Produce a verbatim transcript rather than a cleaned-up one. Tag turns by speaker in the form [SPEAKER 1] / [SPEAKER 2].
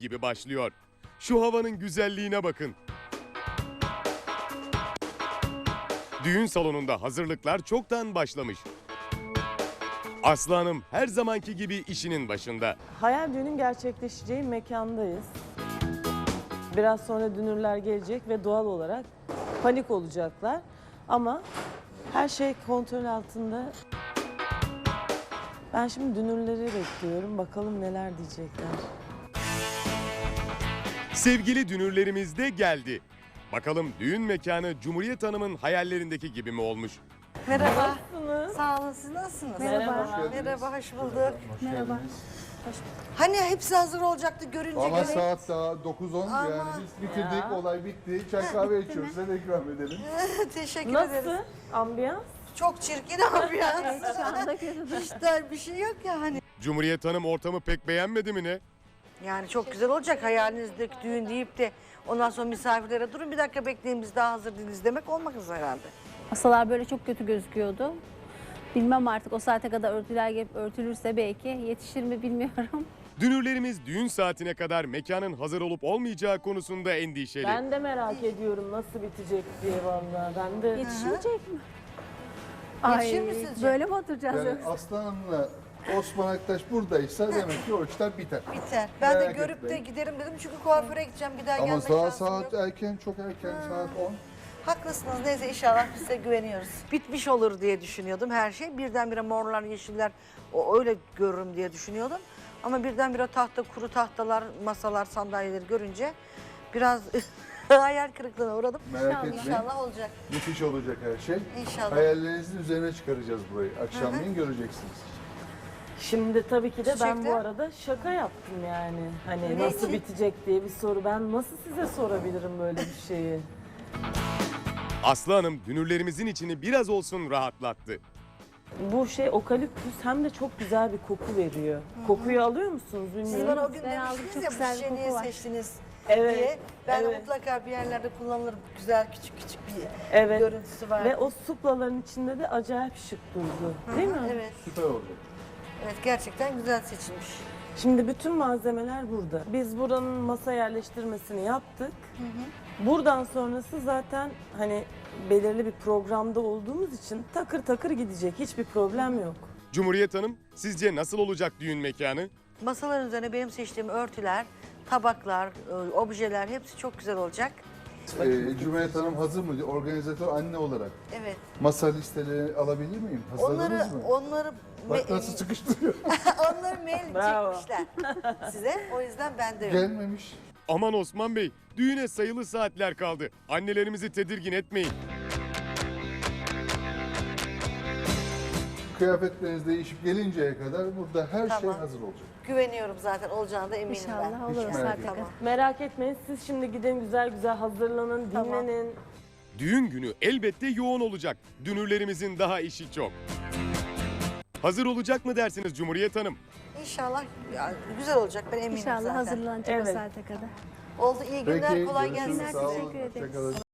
[SPEAKER 1] gibi başlıyor. Şu havanın güzelliğine bakın. Düğün salonunda hazırlıklar çoktan başlamış. Aslı Hanım her zamanki gibi işinin başında.
[SPEAKER 2] Hayal düğünün gerçekleşeceği mekandayız. Biraz sonra dünürler gelecek ve doğal olarak panik olacaklar. Ama her şey kontrol altında. Ben şimdi dünürleri bekliyorum. Bakalım neler diyecekler.
[SPEAKER 1] Sevgili dünürlerimiz de geldi. Bakalım düğün mekanı Cumhuriyet Hanım'ın hayallerindeki gibi mi olmuş?
[SPEAKER 3] Merhaba.
[SPEAKER 2] Nasılsınız?
[SPEAKER 3] Sağ olun, siz nasılsınız?
[SPEAKER 2] Merhaba.
[SPEAKER 3] Merhaba, hoş bulduk.
[SPEAKER 4] Merhaba.
[SPEAKER 3] Hani hepsi hazır olacaktı görünce
[SPEAKER 4] Ama
[SPEAKER 3] göre.
[SPEAKER 4] saat daha dokuz on
[SPEAKER 3] Ama-
[SPEAKER 4] yani biz bitirdik, olay bitti. Çay kahve içiyoruz, size de ikram edelim.
[SPEAKER 3] Teşekkür
[SPEAKER 2] Nasıl?
[SPEAKER 3] ederiz.
[SPEAKER 2] Ambiyans?
[SPEAKER 3] Çok çirkin ambiyans.
[SPEAKER 4] Şu anda
[SPEAKER 3] Hiç de bir şey yok ya hani.
[SPEAKER 1] Cumhuriyet Hanım ortamı pek beğenmedi mi ne?
[SPEAKER 3] Yani çok güzel olacak hayalinizdeki düğün deyip de ondan sonra misafirlere durun bir dakika bekleyin biz daha hazır değiliz demek olmaz herhalde.
[SPEAKER 5] Masalar böyle çok kötü gözüküyordu. Bilmem artık o saate kadar örtüler gelip örtülürse belki yetişir mi bilmiyorum.
[SPEAKER 1] Dünürlerimiz düğün saatine kadar mekanın hazır olup olmayacağı konusunda endişeli.
[SPEAKER 2] Ben de merak ediyorum nasıl bitecek diye vallahi. Ben de
[SPEAKER 5] Yetişmeyecek mi?
[SPEAKER 3] Yetişir mi sizce?
[SPEAKER 5] Böyle mi oturacağız
[SPEAKER 4] Yani
[SPEAKER 5] yoksa?
[SPEAKER 4] Aslan'la Osman Aktaş buradaysa demek ki o işler biter.
[SPEAKER 3] Biter. Ben de
[SPEAKER 4] Merak
[SPEAKER 3] görüp de
[SPEAKER 4] etmeyin.
[SPEAKER 3] giderim dedim çünkü kuaföre gideceğim bir daha
[SPEAKER 4] Ama
[SPEAKER 3] gelme
[SPEAKER 4] daha
[SPEAKER 3] şansım
[SPEAKER 4] saat
[SPEAKER 3] yok.
[SPEAKER 4] erken, çok erken, saat on.
[SPEAKER 3] Haklısınız. Neyse inşallah biz size güveniyoruz. Bitmiş olur diye düşünüyordum her şey. Birdenbire morlar, yeşiller o öyle görürüm diye düşünüyordum. Ama birdenbire tahta, kuru tahtalar, masalar, sandalyeleri görünce biraz hayal kırıklığına uğradım.
[SPEAKER 4] Merak etmeyin.
[SPEAKER 3] İnşallah olacak.
[SPEAKER 4] Müthiş olacak her şey.
[SPEAKER 3] İnşallah.
[SPEAKER 4] Hayallerinizin üzerine çıkaracağız burayı. Akşamleyin göreceksiniz.
[SPEAKER 2] şimdi tabii ki de ben bu
[SPEAKER 3] Çiçekler.
[SPEAKER 2] arada şaka yaptım yani. Hani
[SPEAKER 3] Ne
[SPEAKER 2] nasıl
[SPEAKER 3] için?
[SPEAKER 2] bitecek diye bir soru. Ben nasıl size sorabilirim böyle bir şeyi?
[SPEAKER 1] Aslı Hanım dünürlerimizin içini biraz olsun rahatlattı.
[SPEAKER 2] Bu şey okaliptüs hem de çok güzel bir koku veriyor. Kokuyu alıyor musunuz
[SPEAKER 3] Siz
[SPEAKER 2] bilmiyorum.
[SPEAKER 3] bana o gün
[SPEAKER 5] Ben aldım,
[SPEAKER 3] demiştiniz
[SPEAKER 5] çok
[SPEAKER 3] ya
[SPEAKER 5] güzel
[SPEAKER 3] bu
[SPEAKER 5] bir
[SPEAKER 3] şişeyi niye
[SPEAKER 5] koku var.
[SPEAKER 3] seçtiniz
[SPEAKER 2] Evet,
[SPEAKER 3] diye. Ben de
[SPEAKER 2] evet.
[SPEAKER 3] mutlaka bir yerlerde kullanılır güzel küçük küçük bir
[SPEAKER 2] Evet.
[SPEAKER 3] görüntüsü var.
[SPEAKER 2] Ve o suplaların içinde de acayip şık durdu. Değil mi?
[SPEAKER 3] Evet,
[SPEAKER 4] Süper olacak.
[SPEAKER 3] evet gerçekten güzel seçilmiş.
[SPEAKER 2] Şimdi bütün malzemeler burada. Biz buranın masa yerleştirmesini yaptık. Buradan sonrası zaten hani belirli bir programda olduğumuz için takır takır gidecek. Hiçbir problem yok.
[SPEAKER 1] Cumhuriyet Hanım sizce nasıl olacak düğün mekanı?
[SPEAKER 3] Masaların üzerine benim seçtiğim örtüler, tabaklar, e, objeler hepsi çok güzel olacak.
[SPEAKER 4] Ee, Cumhuriyet Hanım hazır mı? Organizatör anne olarak.
[SPEAKER 3] Evet.
[SPEAKER 4] Masa listeleri alabilir miyim?
[SPEAKER 3] Onları
[SPEAKER 4] Hazırladınız mı?
[SPEAKER 3] onları
[SPEAKER 4] Bak
[SPEAKER 3] me-
[SPEAKER 4] nasıl sıkıştırıyor.
[SPEAKER 3] onları mail
[SPEAKER 2] Bravo.
[SPEAKER 3] çekmişler size. O yüzden ben de yok.
[SPEAKER 4] Gelmemiş.
[SPEAKER 1] Aman Osman Bey, düğüne sayılı saatler kaldı. Annelerimizi tedirgin etmeyin.
[SPEAKER 4] Kıyafetleriniz değişip gelinceye kadar burada her şey
[SPEAKER 3] Tamam.
[SPEAKER 4] hazır olacak.
[SPEAKER 3] Güveniyorum zaten olacağına da eminim ben.
[SPEAKER 5] İnşallah olur o
[SPEAKER 4] merak
[SPEAKER 5] saate
[SPEAKER 4] etmeyin.
[SPEAKER 5] kadar.
[SPEAKER 3] Tamam.
[SPEAKER 2] Merak etmeyin, siz şimdi gidin güzel güzel hazırlanın,
[SPEAKER 3] Tamam.
[SPEAKER 2] dinlenin.
[SPEAKER 1] Düğün günü elbette yoğun olacak. Dünürlerimizin daha işi çok. Hazır olacak mı dersiniz Cumhuriyet Hanım?
[SPEAKER 3] İnşallah ya, güzel olacak ben eminim
[SPEAKER 5] İnşallah
[SPEAKER 3] zaten.
[SPEAKER 5] hazırlanacak
[SPEAKER 2] Evet.
[SPEAKER 5] o saate kadar.
[SPEAKER 3] Oldu iyi günler
[SPEAKER 4] Peki,
[SPEAKER 3] kolay
[SPEAKER 4] görüşürüz.
[SPEAKER 3] gelsin
[SPEAKER 4] Sağ olun.
[SPEAKER 3] size.
[SPEAKER 5] Teşekkür ederiz.
[SPEAKER 4] Hoşça kalın.